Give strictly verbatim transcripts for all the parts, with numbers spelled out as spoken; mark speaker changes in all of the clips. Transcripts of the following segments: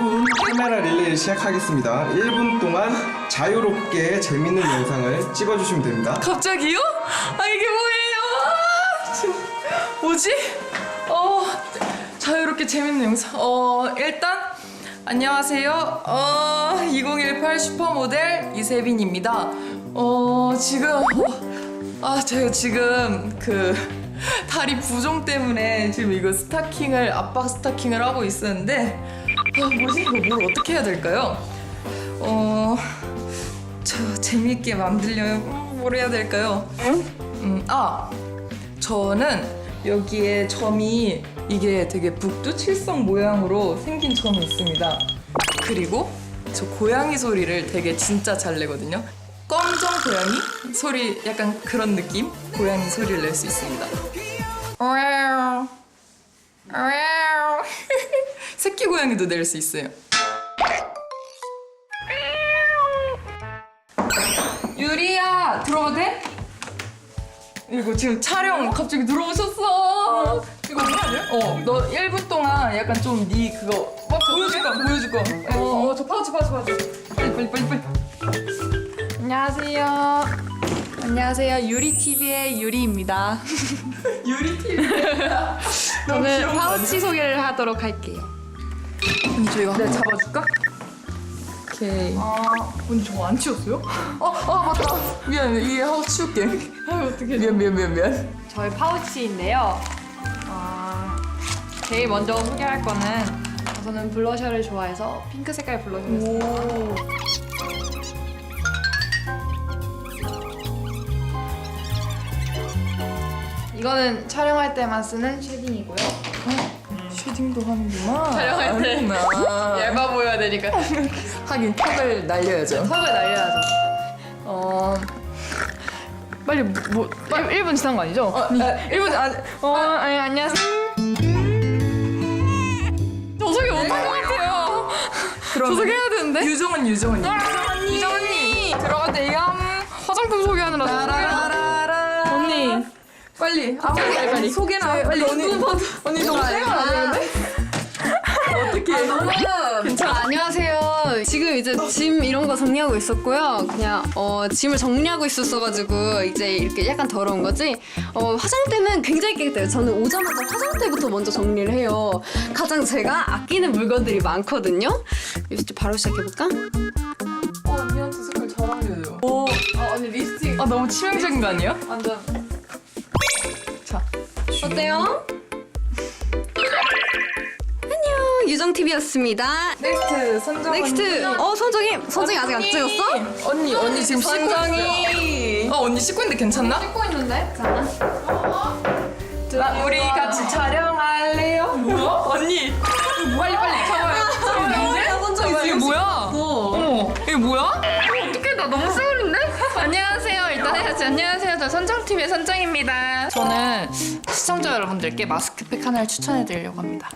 Speaker 1: 분 카메라 릴레이를 시작하겠습니다. 일 분 동안 자유롭게 재밌는 영상을 찍어주시면 됩니다.
Speaker 2: 갑자기요? 아 이게 뭐예요? 아, 지금 뭐지? 어 자유롭게 재밌는 영상. 어 일단 안녕하세요. 어 이천십팔 슈퍼모델 이세빈입니다. 어 지금 어, 아 제가 지금 그 다리 부종 때문에 지금 이거 스타킹을 압박 스타킹을 하고 있었는데 아 뭐지 이거 뭘 어떻게 해야 될까요? 어. 저 재밌게 만들려면 음, 뭘 해야 될까요? 음, 아 저는 여기에 점이 이게 되게 북두칠성 모양으로 생긴 점이 있습니다. 그리고 저 고양이 소리를 되게 진짜 잘 내거든요. 검정 고양이 소리 약간 그런 느낌? 고양이 소리를 낼 수 있습니다. 새끼 고양이도 낼 수 있어요. 유리야 들어가도 돼? 이거 지금 촬영 갑자기 들어오셨어. 이거 해야 돼? 어, 너 일 분 동안 약간 좀 네 그거 막 보여줄 거야, 보여줄 거야. 어, 어, 저 파우치, 파우치, 파우치. 빨리, 빨리, 빨리, 빨리.
Speaker 3: 안녕하세요. 안녕하세요. 유리티비의 유리입니다.
Speaker 2: 유리 티비.
Speaker 3: 저는 파우치 소개를 하도록 할게요.
Speaker 2: 언니 저 이거 내가 잡아줄까? 오케이.
Speaker 3: 아, 언니 저거 안 치웠어요?
Speaker 2: 어, 어 맞다. 미안, 이게 하고 치울게.
Speaker 3: 아, 어떻게
Speaker 2: 미안, 미안, 미안, 미안.
Speaker 3: 저희 파우치인데요. 어, 제일 먼저 소개할 거는 저는 블러셔를 좋아해서 핑크 색깔 블러셔를 써요. 이거는 촬영할 때만 쓰는 쉐딩이고요.
Speaker 2: 쉐딩도 하는구나.
Speaker 3: 촬영할 때.
Speaker 2: 하는구나.
Speaker 3: 얇아 보여야 되니까
Speaker 2: 하긴 턱을 날려야죠.
Speaker 3: 턱을 날려야죠. 어 빨리 뭐 일 분 지난 거 아니죠?
Speaker 2: 어, 일 분 안.
Speaker 3: 어 아니 안녕하세요. 저 소개 못한 것 같아요. 저 소개해야 되는데.
Speaker 2: 유정은 유정은.
Speaker 3: 유정 언니 들어갈 때 이거 화장품 소개하느라
Speaker 2: 라라라라.
Speaker 3: 언니
Speaker 2: 빨리. 아,
Speaker 3: 빨리,
Speaker 2: 빨리
Speaker 3: 빨리.
Speaker 2: 소개나. 빨리 언니. 언니 너무 세가 안 되는데? 어떻게? 너무
Speaker 4: 아, 안녕하세요. 지금 이제 짐 이런 거 정리하고 있었고요. 그냥 어, 짐을 정리하고 있었어가지고 이제 이렇게 약간 더러운 거지. 어, 화장대는 굉장히 깨끗해요. 저는 오자마자 화장대부터 먼저 정리를 해요. 가장 제가 아끼는 물건들이 많거든요. 이제 바로 시작해볼까?
Speaker 2: 어, 언니한테 색깔 잘 어울려요. 오,
Speaker 3: 어 언니 립스틱
Speaker 2: 아 너무 치명적인 거 아니에요?
Speaker 3: 완전
Speaker 2: 자,
Speaker 4: 어때요? 안녕, 유정티비였습니다.
Speaker 2: 넥스트 선정.
Speaker 4: 넥스트. 어, 선정이 선정이 아직 안 찍었어?
Speaker 2: 언니, 언니 지금 씻고 있어요.
Speaker 4: 선정이.
Speaker 2: 어, 언니 씻고 있는데 괜찮나?
Speaker 3: 찍고 있는데? 자
Speaker 2: 나 우리 같이 촬영할래요? 뭐야? 언니, 빨리 빨리 잡아요.
Speaker 4: 선정이
Speaker 2: 이게
Speaker 4: 지금
Speaker 2: 뭐야?
Speaker 4: 찍었어.
Speaker 2: 어머, 이게 뭐야?
Speaker 3: 어떡해 나 너무 쓰는데? 안녕하세요. 일단 해야지. 안녕하세요. 저 선정티비의 선정입니다. 저는 시청자 여러분들께 마스크팩 하나를 추천해드리려고 합니다.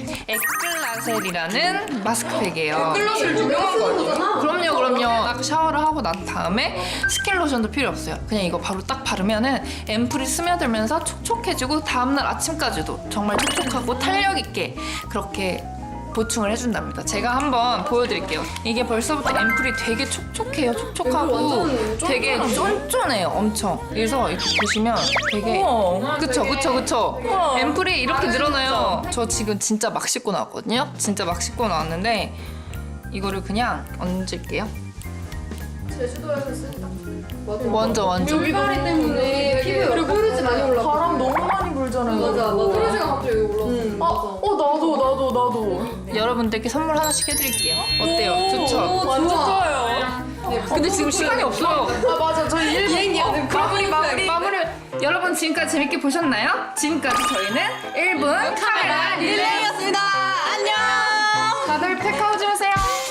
Speaker 3: 에클라셀이라는 마스크팩이에요.
Speaker 2: 클로스를 유명한 거 아니에요?
Speaker 3: 그럼요, 그럼요. 딱 샤워를 하고 난 다음에 스킨 로션도 필요 없어요. 그냥 이거 바로 딱 바르면은 앰플이 스며들면서 촉촉해지고 다음날 아침까지도 정말 촉촉하고 탄력 있게 그렇게 보충을 해준답니다. 제가 한번 보여드릴게요. 이게 벌써부터 앰플이 되게 촉촉해요. 촉촉하고 되게 쫀쫀해요. 엄청. 그래서 이렇게 보시면 되게
Speaker 2: 우와.
Speaker 3: 그쵸 그쵸 그쵸
Speaker 2: 우와.
Speaker 3: 앰플이 이렇게 늘어나요. 저 지금 진짜 막 씻고 나왔거든요. 진짜 막 씻고 나왔는데 이거를 그냥 얹을게요.
Speaker 4: 제주도에서 쓴다.
Speaker 3: 완전 완전
Speaker 4: 물갈이 때문에 피부에 그리고 뾰루지 많이 올라가.
Speaker 2: 바람 너무 많이 불잖아요.
Speaker 4: 맞아, 맞아. 뾰루지가 갑자기 올라왔어. 응.
Speaker 2: 아, 어 나도 나도 나도.
Speaker 3: 여러분들께 선물 하나씩 해드릴게요. 어때요? 좋죠?
Speaker 2: 완전 좋아요.
Speaker 3: 근데 지금 시간이 없어요.
Speaker 2: 아 맞아, 저희 일 분.
Speaker 4: 비행기야.
Speaker 3: 마무리 마무리 마무리. 여러분 지금까지 재밌게 보셨나요? 지금까지 저희는 일 분 카메라 릴레이.
Speaker 4: 릴레이였습니다. 안녕.
Speaker 3: 다들 팩하고 주무세요.